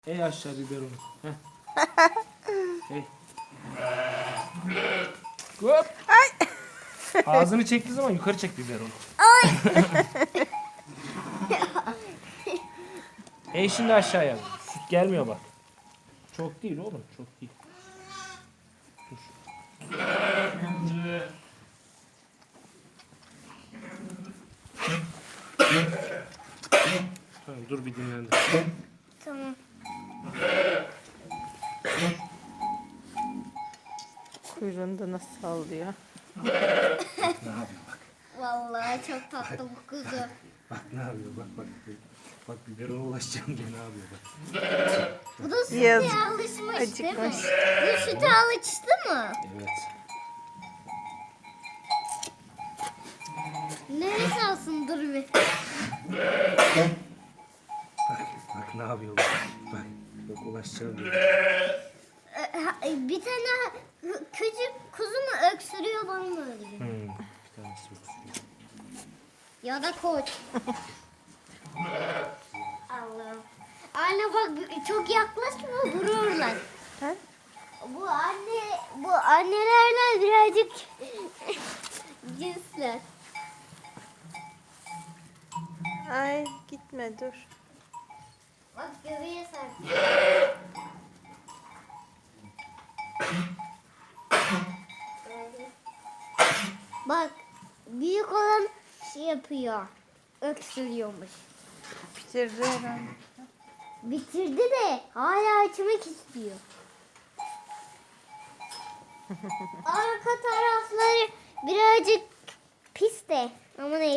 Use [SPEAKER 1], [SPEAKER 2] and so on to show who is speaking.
[SPEAKER 1] Ey aşağı biberonu. Heh. Hey. Hop.
[SPEAKER 2] Ay.
[SPEAKER 1] Ağzını çektiği zaman yukarı çek biberonu.
[SPEAKER 2] Ay.
[SPEAKER 1] Ey şimdi aşağıya. Süt gelmiyor bak. Çok değil oğlum, çok değil. Dur. Tamam, dur bir dinlendir.
[SPEAKER 2] Tamam. Kuyruğunu da nasıl sallıyor?
[SPEAKER 1] Ne yapıyor bak.
[SPEAKER 2] Vallahi çok tatlı bu kuzu.
[SPEAKER 1] Bak ne yapıyor bak bak. Bak biberona ulaşacağım diye ne yapıyor bak.
[SPEAKER 2] Bu da süte
[SPEAKER 3] Yazık.
[SPEAKER 2] alışmış değil mi?
[SPEAKER 3] Acıkmış.
[SPEAKER 2] Bu süte alıştı mı?
[SPEAKER 1] Evet.
[SPEAKER 2] Neresi alsın dur bir.
[SPEAKER 1] Bak ne yapıyor bak. Bak ulaşacağım diye.
[SPEAKER 2] Bir tane küçük kuzu mu öksürüyor bana mı öyle?
[SPEAKER 1] Bir tanesi yok.
[SPEAKER 2] Ya da koç. Allah'ım. Anne bak çok yaklaşma vururlar.
[SPEAKER 3] Ha?
[SPEAKER 2] Bu annelerle birazcık cinsler.
[SPEAKER 3] Ay gitme dur.
[SPEAKER 2] Bak göbeğe sarkıyor. Bak büyük olan şey yapıyor. Öksürüyormuş.
[SPEAKER 3] Bitirdi herhalde.
[SPEAKER 2] Bitirdi de hala açmak istiyor. Arka tarafları birazcık pis de ama neyse.